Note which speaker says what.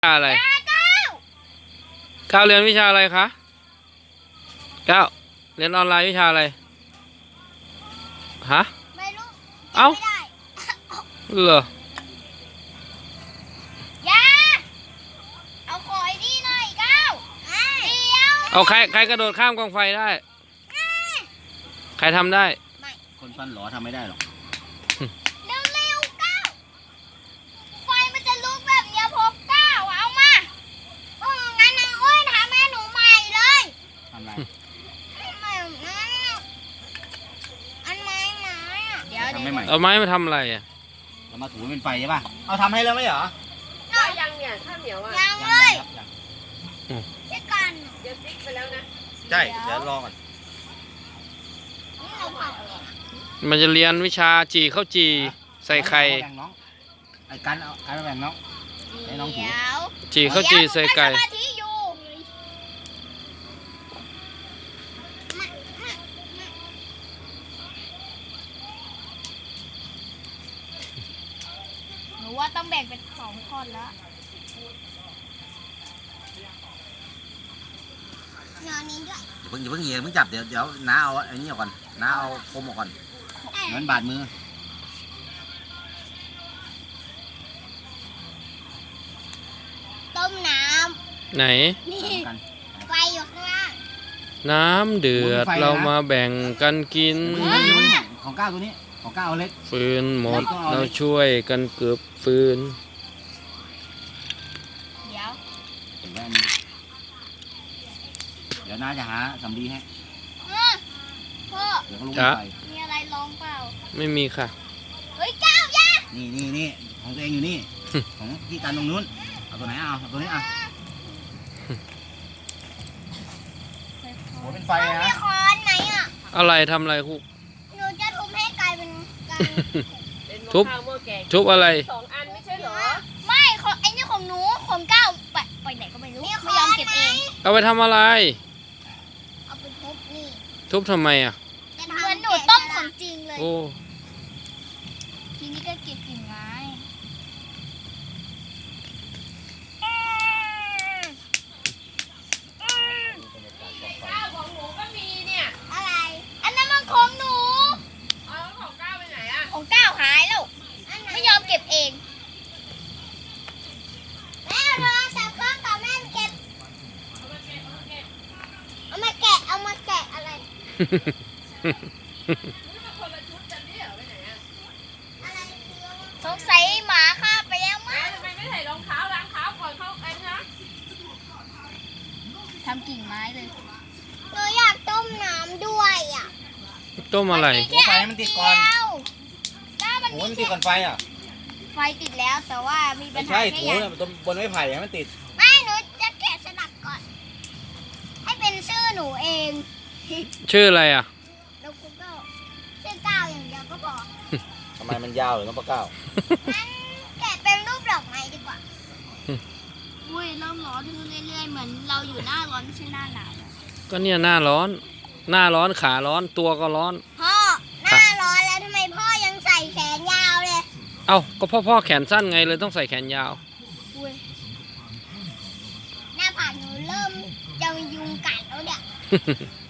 Speaker 1: วิชาอะไรก้าวเรียนวิชาอะไรคะก้าวเรียนออนไลน์วิชาอะไรฮะ
Speaker 2: ไม่รู้
Speaker 1: เอ้าเหรอ
Speaker 2: อย่าเอาขอยดีหน่อยก้าวเดี๋ยว
Speaker 1: เอาใครกระโดดข้ามกองไฟได้ใครทำได้
Speaker 3: คนฟันหลอทำไม่ได้หรอก
Speaker 2: เร็วๆก้าวไฟมันจะลุกแบบเนี้ยพกก้าวเอามางั้นนางอ้วนทำให้หนูใหม่เลย
Speaker 3: ทำไร
Speaker 2: ใหม่อันไม้อ่ะเดี๋ยว
Speaker 3: ทำไม่ใหม่
Speaker 1: เอาไม้มาทำอะไรอ่ะ
Speaker 3: เรามาถูเป็นไฟใช่ป่ะเอาทำให้แล้วไม่เหรอ
Speaker 4: ก็ยังเนี่ยข้าวเหนียวอ่ะ
Speaker 2: ยังเลยเช่กัน
Speaker 4: เดี๋ยวติ๊กไปแล้วนะ
Speaker 3: ใช่เดี๋ยวรอก่อน
Speaker 1: มันจะเรียนวิชาจีข้าวจีใส่ไข่
Speaker 3: แบ่งน้องไอ้กันเอาการแบ่งน้องให้น้องถู
Speaker 1: จีข้าวจีใส่ไก่
Speaker 2: หนูว่าต้องแบ่งเป็น2ท่อนแล้วงานนี้ด้วย
Speaker 3: อย่าเพิ่งเหยียบเพิ่งจับเดี๋ยวน้าเอาไอ้นี่ก่อนน้าเอาคมออกก่อนเหมือนบาดมือ
Speaker 2: ต้มน้
Speaker 1: ำไหน
Speaker 2: นี่ไฟอยู่ข้างล่าง
Speaker 1: น้ำเดือดเรามาแบ่งกันกิน
Speaker 3: ของก้าวตัวนี้ของก้าวเล็ก
Speaker 1: ฟืนหมดเราช่วยกันเกือบฟืน
Speaker 3: เดี๋ยวน้าจะหาสำลีให้
Speaker 2: พ่อ
Speaker 3: เดี๋ยวก็ลุกไป
Speaker 2: มีอะไรลองเปล่า
Speaker 1: ไม่มีค่ะ
Speaker 2: เฮ้ยก้าวยา
Speaker 3: นี่ของตัวเองอยู่นี่ ของพี่กันตรงนู้นเอาตัวไหนเอาตัวนี้เอาโหเป็นไฟนะ
Speaker 2: มีค้อนไหมอ่ะ
Speaker 1: อะไรทำอะไรคุก
Speaker 2: หนูจะทุบให้กลายเป็น
Speaker 1: ทุบอะไร
Speaker 4: 2 อันไม่ใช่เหรอ
Speaker 2: ไม่ไอ้นี่ของหนูของก้าวไปไหนก็ไม่รู้ไม่ยอมเก็บเอง
Speaker 1: เอาไปทำอะไร
Speaker 2: เอาไปทุบนี่
Speaker 1: ทุบทำไมอ่ะ
Speaker 2: เหมือนหนูต้มของจริงเลย
Speaker 1: โอ้
Speaker 2: ทีนี้ก็เก็บกิ่งไม้
Speaker 4: ข้าวของหนูก็มีเนี่ย
Speaker 2: อะไรอันนั้นมันของหนู
Speaker 4: เอาของก้าวไปไหนอ่ะ
Speaker 2: ของก้าวหายแล้วไม่ยอมเก็บเองแม่โทรศัพท์เครื่องต่อแม่เก็บเอามาแกะอะไรสงสัยหมาฆ่าไปแล้วมั้ง
Speaker 4: ทำไมไม่ใส่รองเท้าล้างเท้าก่อนเข้าไอ้นะ
Speaker 2: ทำกิ่งไม้เลยหนูอยากต้มน้ำด้วยอ่ะ
Speaker 1: ต้มอะไร
Speaker 3: ไฟมันติดก่อนโหมันติดก่อนไฟอ่ะ
Speaker 2: ไฟติดแล้วแต่ว่ามีปัญหา
Speaker 3: ใช่ถูบนไม้ไผ่มันติด
Speaker 2: ไม่หนูจะแกะสลักก่อนให้เป็นชื่อหนูเอง
Speaker 1: ชื่ออะไรอ่ะ
Speaker 2: แล้วกูก็ชื่อก้าวอย่างเดียวก็พอ
Speaker 3: ทำไมมันยาวหรือน้องปะก้าว
Speaker 2: งั้นแกะเป็นรูปดอกไม้ดีกว่าอุ้ยเริ่มร้อนขึ้นเรื่อยๆเหมือนเราอยู่หน้าร้อนไม่ใช่หน้าหนาว
Speaker 1: ก็เนี่ยหน้าร้อนขาร้อนตัวก็ร้อน
Speaker 2: พ่อหน้าร้อนแล้วทำไมพ่อยังใส่แขนยาวเลย
Speaker 1: เอ้าก็พ่อแขนสั้นไงเลยต้องใส่แขนยาว
Speaker 2: หน้าผากหนูเริ่มจะยุงกัดแล้วเนี่ย